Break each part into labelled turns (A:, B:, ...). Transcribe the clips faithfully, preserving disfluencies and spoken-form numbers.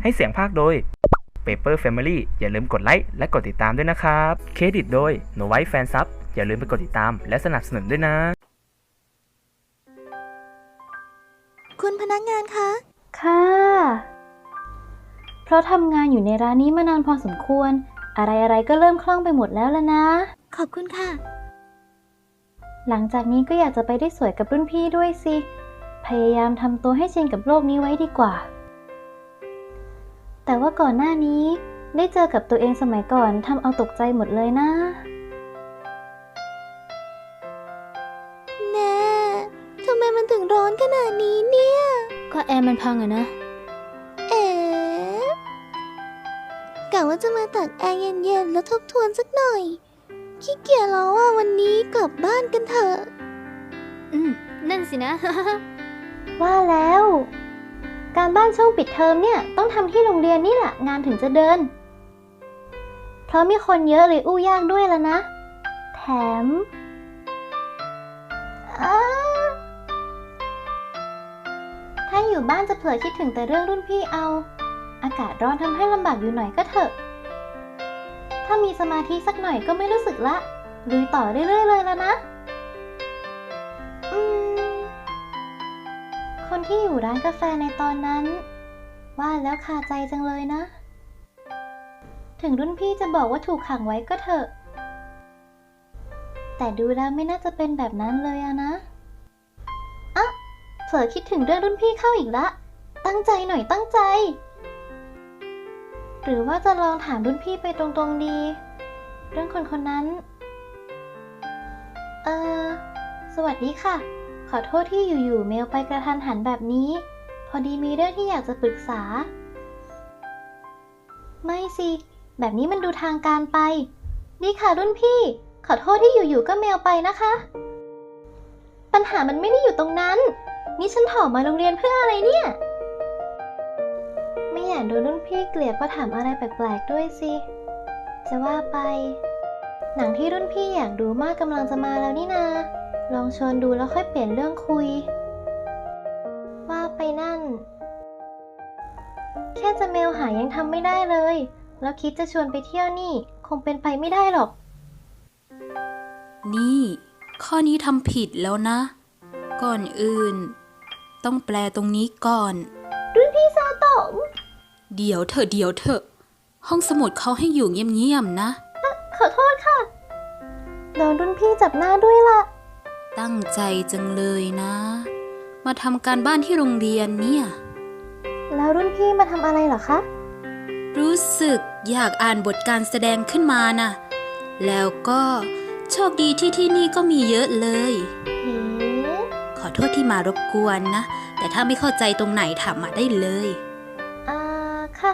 A: ให้เสียงภาคโดย Paper Family อย่าลืมกดไลค์และกดติดตามด้วยนะครับเครดิตโดย No White Fan Sub อย่าลืมไปกดติดตามและสนับสนุนด้วยนะ
B: คุณพนักงานคะ
C: ค่ะเพราะทำงานอยู่ในร้านนี้มานานพอสมควรอะไรๆก็เริ่มคล่องไปหมดแล้วล่ะนะ
B: ขอบคุณค่ะ
C: หลังจากนี้ก็อยากจะไปได้สวยกับรุ่นพี่ด้วยสิพยายามทำตัวให้ชินกับโลกนี้ไว้ดีกว่าแต่ว่าก่อนหน้านี้ได้เจอกับตัวเองสมัยก่อนทำเอาตกใจหมดเลยนะ
B: แน่ทำไมมันถึงร้อนขนาดนี้เนี่ย
C: ก็แอร์มันพังอะนะ
B: เอ๋กะว่าจะมาตักแอร์เย็นๆแล้วทบทวนสักหน่อยขี้เกียจแล้วอ่ะวันนี้กลับบ้านกันเถอะ
C: อืมนั่นสินะ ว่าแล้วการบ้านช่วงปิดเทอมเนี่ยต้องทำที่โรงเรียนนี่แหละงานถึงจะเดินเพราะมีคนเยอะเลยอู้ยากด้วยแล้วนะแถมถ้าอยู่บ้านจะเผลอคิดถึงแต่เรื่องรุ่นพี่เอาอากาศร้อนทำให้ลำบากอยู่หน่อยก็เถอะถ้ามีสมาธิสักหน่อยก็ไม่รู้สึกละลุยต่อเรื่อยๆเลยแล้วนะอืมคนที่อยู่ร้านกาแฟในตอนนั้นว่าแล้วคาใจจังเลยนะถึงรุ่นพี่จะบอกว่าถูกขังไว้ก็เถอะแต่ดูแล้วไม่น่าจะเป็นแบบนั้นเลยอะนะอ่ะเผลอคิดถึงเรื่องรุ่นพี่เข้าอีกละตั้งใจหน่อยตั้งใจหรือว่าจะลองถามรุ่นพี่ไปตรงๆดีเรื่องคนคนนั้นเออสวัสดีค่ะขอโทษที่อยู่ๆเมลไปกระทันหันแบบนี้พอดีมีเรื่องที่อยากจะปรึกษาไม่สิแบบนี้มันดูทางการไปดีค่ะรุ่นพี่ขอโทษที่อยู่ๆก็เมลไปนะคะปัญหามันไม่ได้อยู่ตรงนั้นนี่ฉันถอมาโรงเรียนเพื่ออะไรเนี่ยไม่อยากโดนรุ่นพี่เกลียดเพราะถามอะไรแปลกๆด้วยสิจะว่าไปหนังที่รุ่นพี่อยากดูมากกำลังจะมาแล้วนี่นาลองชวนดูแล้วค่อยเปลี่ยนเรื่องคุยว่าไปนั่นแค่จะเมลหายังทำไม่ได้เลยแล้วคิดจะชวนไปเที่ยวนี่คงเป็นไปไม่ได้หรอก
D: นี่ข้อนี้ทำผิดแล้วนะก่อนอื่นต้องแปลตรงนี้ก่อน
B: รุ่นพี่ซาโตะ
D: เดี๋ยวเถอะเดี๋ยวเถอะห้องสมุดเขาให้อยู่เงียบๆนะ
B: ขอโทษค่ะโดนรุ่นพี่จับหน้าด้วยล่ะ
D: ตั้งใจจังเลยนะมาทำการบ้านที่โรงเรียนเนี่ย
B: แล้วรุ่นพี่มาทำอะไรเหรอคะ
D: รู้สึกอยากอ่านบทการแสดงขึ้นมานะแล้วก็โชคดีที่ที่นี่ก็มีเยอะเลยขอโทษที่มารบกวนนะแต่ถ้าไม่เข้าใจตรงไหนถามมาได้เลย
B: อ่าค่ะ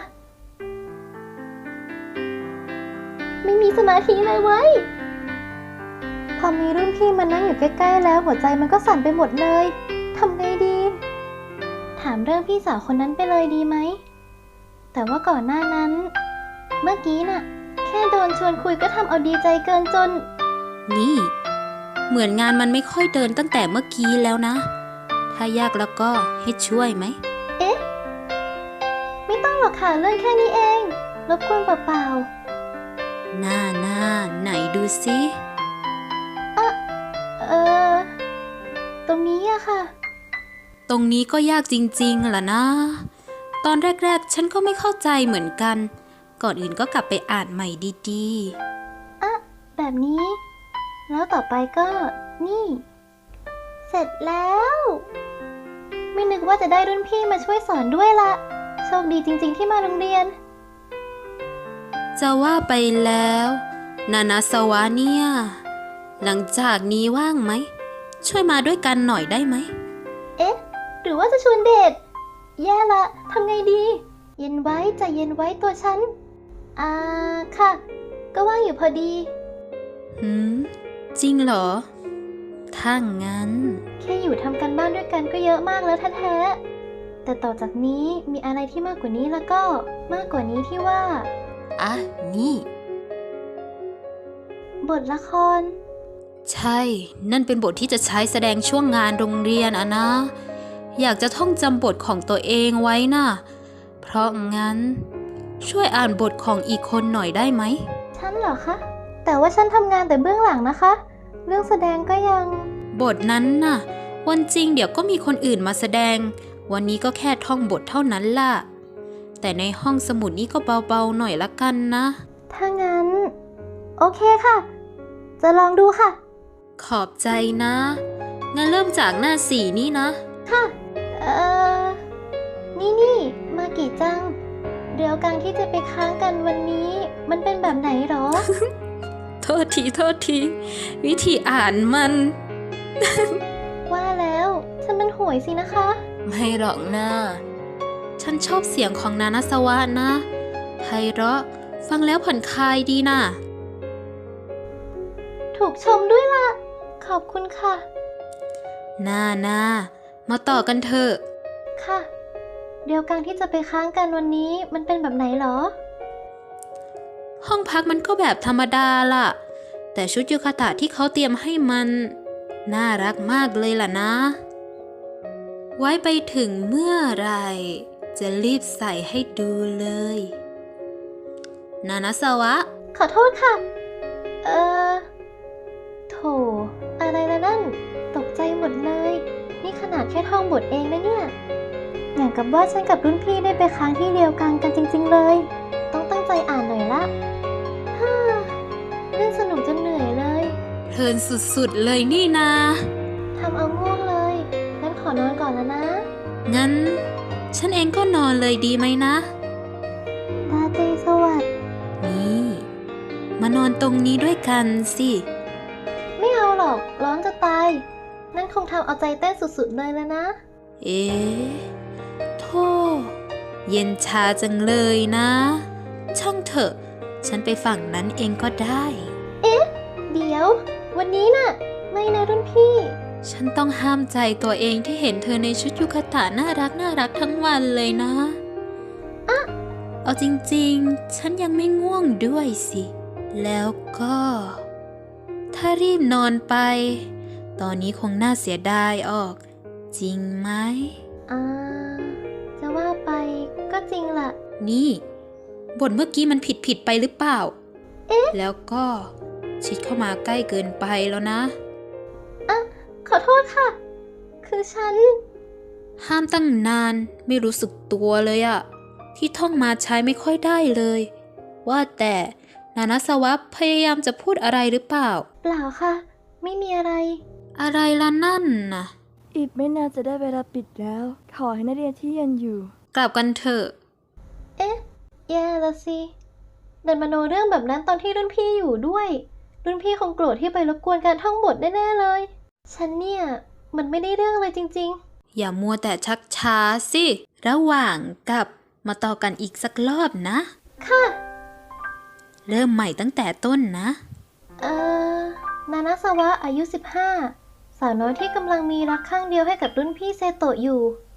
B: ไม่มีสมาธิเลยเว้ยพอมีรุ่นพี่มานั่งอยู่ใกล้ๆแล้วหัวใจมันก็สั่นไปหมดเลยทำไงดีถามเรื่องพี่สาวคนนั้นไปเลยดีไหมแต่ว่าก่อนหน้านั้นเมื่อกี้น่ะแค่โดนชวนคุยก็ทำเอาดีใจเกินจน
D: นี่เหมือนงานมันไม่ค่อยเดินตั้งแต่เมื่อกี้แล้วนะถ้ายากแล้วก็ให้ช่วยไหม
B: เอ๊ะไม่ต้องหรอกค่ะเรื่องแค่นี้เองรบกวนเปล่า
D: ๆหน้าหน้าไหนดูสิ
B: อะเออตรงนี้อะค่ะ
D: ตรงนี้ก็ยากจริงๆล่ะนะตอนแรกๆฉันก็ไม่เข้าใจเหมือนกันก่อนอื่นก็กลับไปอ่านใหม่ดี
B: ๆอะแบบนี้แล้วต่อไปก็นี่เสร็จแล้วไม่นึกว่าจะได้รุ่นพี่มาช่วยสอนด้วยละโชคดีจริงๆที่มาโรงเรียน
D: จะว่าไปแล้วนานาสวะเนี่ยหลังจากนี้ว่างไหมช่วยมาด้วยกันหน่อยได้ไหม
B: เอ๊ะหรือว่าจะชวนเดทแย่ละทำไงดีเย็นไว้ใจเย็นไว้ตัวฉันอ่าค่ะก็ว่างอยู่พอดี
D: หืมจริงเหรอถ้างั้น
B: แค่อยู่ทำกันบ้านด้วยกันก็เยอะมากแล้วแท้ๆแต่ต่อจากนี้มีอะไรที่มากกว่านี้แล้วก็มากกว่านี้ที่ว่า
D: อ่ะนี่
B: บทละคร
D: ใช่นั่นเป็นบทที่จะใช้แสดงช่วงงานโรงเรียนอะนะอยากจะท่องจำบทของตัวเองไว้น่ะเพราะงั้น ช่วยอ่านบทของอีกคนหน่อยได้ไหม
B: ฉันเหรอคะ แต่ว่าฉันทำงานแต่เบื้องหลังนะคะ เรื่องแสดงก็ยัง
D: บทนั้นน่ะ วันจริงเดี๋ยวก็มีคนอื่นมาแสดง วันนี้ก็แค่ท่องบทเท่านั้นล่ะ แต่ในห้องสมุดนี้ก็เบาๆหน่อยละกันนะ
B: ถ้างั้น โอเคค่ะ จะลองดูค่ะ
D: ขอบใจนะ งั้นเริ่มจากหน้าสี่นี่นะ
B: ค่ะเอ่อ นี่นี่มากี่จัง เดี๋ยวกันที่จะไปค้างกันวันนี้ มันเป็นแบบไหนหรอ
D: โทษทีโทษที วิธีอ่านมัน
B: ว่าแล้วฉันมันห่วยสินะคะ
D: ไม่หรอกนะ ฉันชอบเสียงของนานาสวะนะไพเราะฟังแล้วผ่อนคลายดีนะ
B: ถูกชมด้วยล่ะ ขอบคุณค่ะ
D: นานามาต่อกันเถอะ
B: ค่ะ เดี๋ยวกันที่จะไปค้างกันวันนี้มันเป็นแบบไหนหรอ
D: ห้องพักมันก็แบบธรรมดาล่ะ แต่ชุดยูคาตะที่เขาเตรียมให้มัน น่ารักมากเลยล่ะนะ ไว้ไปถึงเมื่อไหรจะรีบใส่ให้ดูเลย นานาสวะ
B: ขอโทษค่ะ เอ่อ โถ อะไรละนั่น ตกใจหมดเลย นี่ขนาดแค่ท่องบทเองนะเนี่ย อย่างกับว่าฉันกับรุ่นพี่ได้ไปค้างที่เดียวกันกันจริงๆเลย ต้องตั้งใจอ่านหน่อยละฮ่าเล่นสนุกจนเหนื่อยเลย
D: เพลินสุดๆเลยนี่นา
B: ทำเอาง่วงเลย งั้นขอนอนก่อนแล้วนะ
D: งั้น ฉันเองก็นอนเลยดีไหมนะ
B: ราตรีสวัสดิ์
D: นี่ มานอนตรงนี้ด้วยกันสิ
B: ไม่เอาหรอก ร้อนจะตาย นั่นคงทำเอาใจเต้นสุดๆเลยแล้วนะ
D: เอ๊ะโธ่เย็นชาจังเลยนะ ช่างเถอะ ฉันไปฝั่งนั้นเองก็ได้
B: เดี๋ยว วันนี้น่ะ ไม่นะรุ่นพี่
D: ฉันต้องห้ามใจตัวเองที่เห็นเธอในชุดยูคาตะน่ารักน่ารักทั้งวันเลยนะอะเอาจริงๆ ฉันยังไม่ง่วงด้วยสิ แล้วก็ ถ้ารีบนอนไป ตอนนี้คงน่าเสียดายออก จริงไหม
B: อ่า จะว่าไปก็จริงล่ะ
D: นี่ บทเมื่อกี้มันผิดผิดไปหรือเปล่า เอ๊ะ แล้วก็ชิดเข้ามาใกล้เกินไปแล้วนะ
B: อ่ะ ขอโทษค่ะ คือฉัน
D: ห้ามตั้งนานไม่รู้สึกตัวเลยอะที่ท่องมาใช้ไม่ค่อยได้เลย ว่าแต่นานาสวะพยายามจะพูดอะไรหรือเปล่า
B: เปล่าค่ะ ไม่มีอะไร
D: อะไรล่ะนั่นน่ะ
E: อีกไม่นานจะได้เวลาปิดแล้ว ขอให้นักเรียนที่ยังอยู่
D: กลับกันเถอะ
B: เอ๊ะ แย่ละสิเดินมาโนเรื่องแบบนั้นตอนที่รุ่นพี่อยู่ด้วย รุ่นพี่คงโกรธที่ไปรบกวนการท่องบทแน่ๆเลย ฉันเนี่ย มันไม่ได้เรื่องเลยจริงๆ
D: อย่ามัวแต่ชักช้าสิ ระหว่างกับมาต่อกันอีกสักรอบนะ
B: ค่ะ
D: เริ่มใหม่ตั้งแต่ต้นนะ
B: เอ่อ นานาสวะอายุสิบห้า สาวน้อยที่กำลังมีรักข้างเดียวให้กับรุ่นพี่เซโตะอยู่